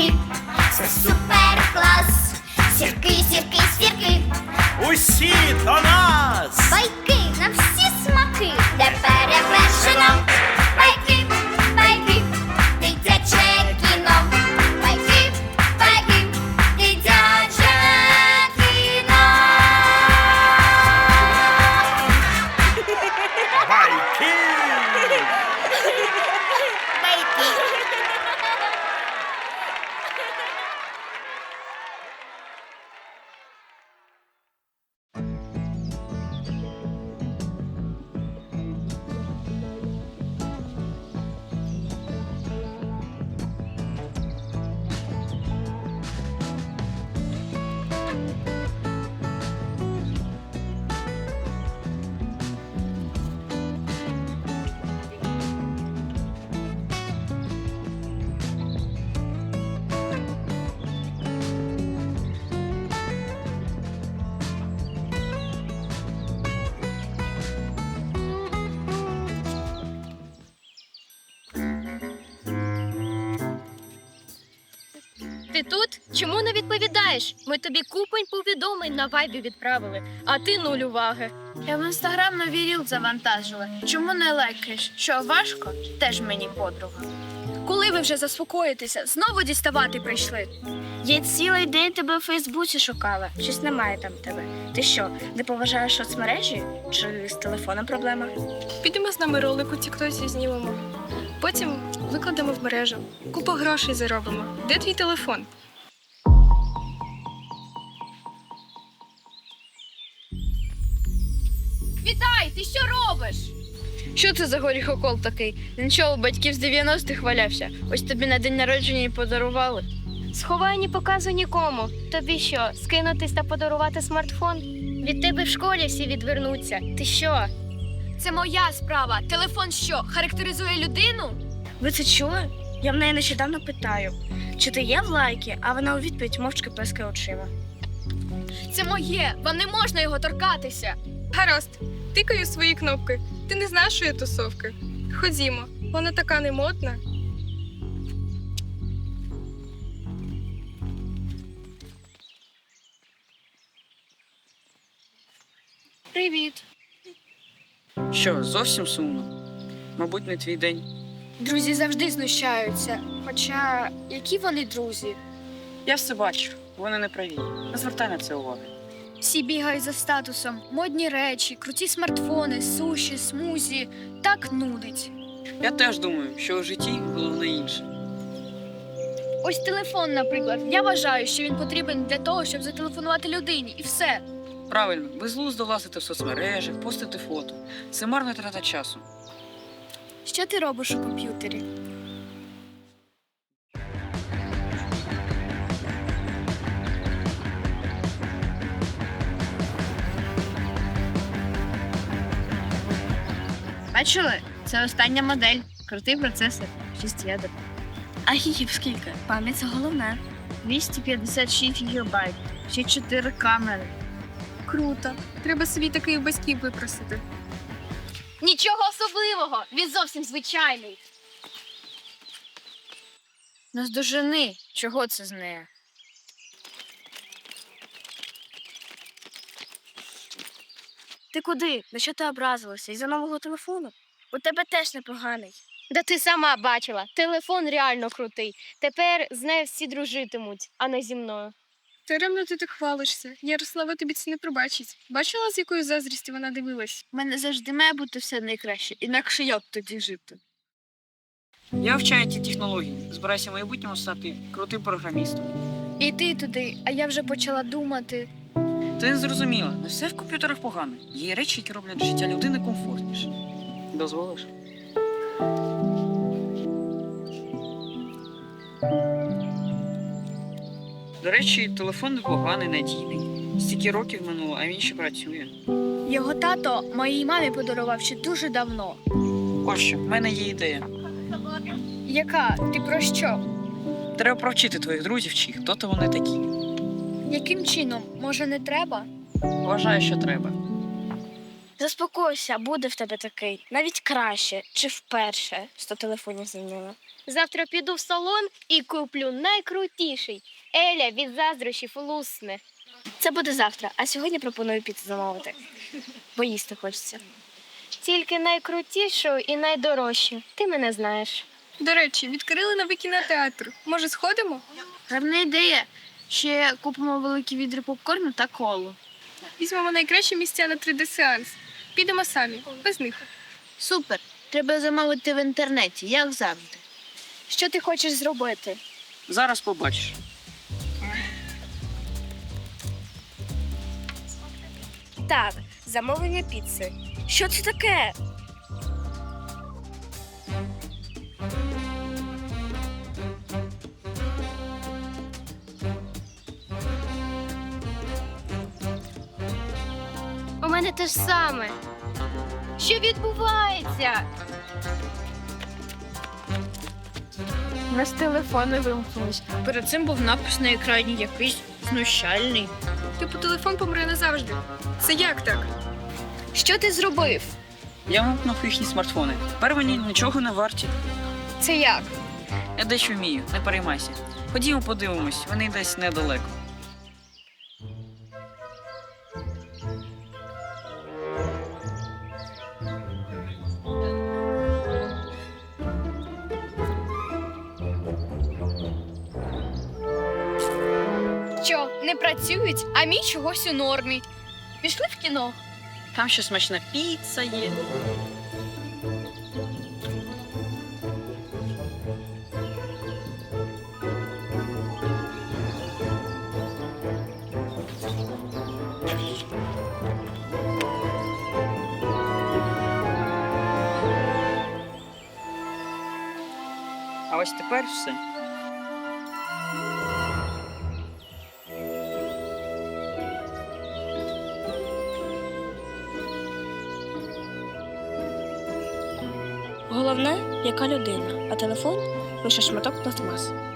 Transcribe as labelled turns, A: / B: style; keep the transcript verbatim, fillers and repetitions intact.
A: байки, це супер клас. Сірки, сірки, сірки,
B: Усі до нас!
A: байки на всі смаки, де перевершено. Байки, байки, дитяче кіно. Байки, байки, дитяче кіно.
B: Байки!
C: Ти тут? Чому не відповідаєш? Ми тобі купень повідомлень на вайбі відправили, а ти нуль уваги.
D: Я в інстаграм новий ріл завантажила. Чому не лайкаєш? Що, важко? Теж мені подруга.
C: Коли ви вже заспокоїтеся, знову діставати прийшли.
D: Я цілий день тебе у Фейсбуці шукала. Щось немає там тебе. Ти що, не поважаєш соцмережі? Чи з телефоном проблема?
C: Підемо з нами ролик у тіктосі знімемо. Потім викладемо в мережу. Купу грошей заробимо. Де твій телефон? Вітай! Ти що робиш?
D: Що це за горіхокол такий? Він що, у батьків з дев'яностих валявся? Ось тобі на день народження і подарували.
C: Сховай, не показуй нікому. Тобі що, скинутись та подарувати смартфон? Від тебе в школі всі відвернуться. Ти що? Це моя справа. Телефон що, характеризує людину?
D: Ви це чули? Я в неї нещодавно питаю, чи ти є в лайки, а вона у відповідь мовчки плескає очима.
C: Це моє. Вам не можна його торкатися. Гаразд, тикаю свої кнопки. Ти не з нашої тусовки. Ходімо, вона така немодна. Привіт.
E: Що, зовсім сумно? Мабуть, не твій день.
C: Друзі завжди знущаються. Хоча, які вони друзі?
E: Я все бачу, вони не праві. Не звертай на це уваги.
C: Всі бігають за статусом. Модні речі, круті смартфони, суші, смузі. Так нудить.
E: Я теж думаю, що у житті головне інше.
C: Ось телефон, наприклад. Я вважаю, що він потрібен для того, щоб зателефонувати людині. І все.
E: Правильно, безглуздо влазити в соцмережах, постити фото. Це марна трата часу.
C: Що ти робиш у комп'ютері?
D: Бачили? Це остання модель. Крутий процесор. шість ядер. А гігів скільки? Пам'ять це головне. двісті п'ятдесят шість гігабайт. Ще чотири камери.
C: Круто. Треба собі такий у батьків випросити. Нічого особливого. Він зовсім звичайний.
D: Наздожени. Чого це з нею? Ти куди? На що ти образилася? Із-за нового телефону? У тебе теж непоганий.
C: Да ти сама бачила. Телефон реально крутий. Тепер з нею всі дружитимуть, а не зі мною.
F: Даремно ти так хвалишся. Ярослава тобі це не пробачить. Бачила, з якою заздрістю вона дивилась?
D: У мене завжди має бути все найкраще, інакше як тоді жити?
E: Я вчаю ті технології. Збираюся в майбутньому стати крутим програмістом.
C: І ти туди, а я вже почала думати.
E: Ти не зрозуміла, не все в комп'ютерах погано. Є речі, які роблять життя людини комфортніше. Дозволиш? До речі, телефон непоганий, надійний. Стільки років минуло, а він ще працює.
C: Його тато моїй мамі подарував ще дуже давно.
E: Ось що, в мене є ідея.
C: Яка? Ти про що?
E: Треба провчити твоїх друзів, чи хто то вони такі.
C: Яким чином? Може, не треба?
E: Вважаю, що треба.
D: Заспокойся, буде в тебе такий. Навіть краще, чи вперше сто телефонів замінила.
C: Завтра піду в салон і куплю найкрутіший. Еля від заздрощів лусне.
D: Це буде завтра, а сьогодні пропоную піти замовити. Бо їсти хочеться.
C: Тільки найкрутішу і найдорожчу. Ти мене знаєш.
F: До речі, відкрили новий кінотеатр. Може, сходимо?
D: Гарна ідея. Ще купимо великі відри попкорну та колу.
F: Візьмемо найкращі місця на три де-сеанс. Підемо самі, без них.
D: Супер. Треба замовити в інтернеті, як завжди. Що ти хочеш зробити?
E: Зараз побачиш.
D: Так, замовлення піци. Що це таке?
C: У мене те ж саме. Що відбувається?
D: У нас телефони вимкнулись. Перед цим був напис на екрані якийсь знущальний.
F: Типу телефон помре назавжди. Це як так?
D: Що ти зробив?
E: Я вимкнув їхні смартфони. Тепер вони нічого не варті.
F: Це як?
E: Я дещо вмію, не переймайся. Ходімо подивимось, вони десь недалеко.
F: Що, не працюють, а мій чогось у нормі. Пішли в кіно.
E: Там ще смачна піца є. А ось тепер все.
D: Головне, яка людина, а телефон лише шматок пластмаси.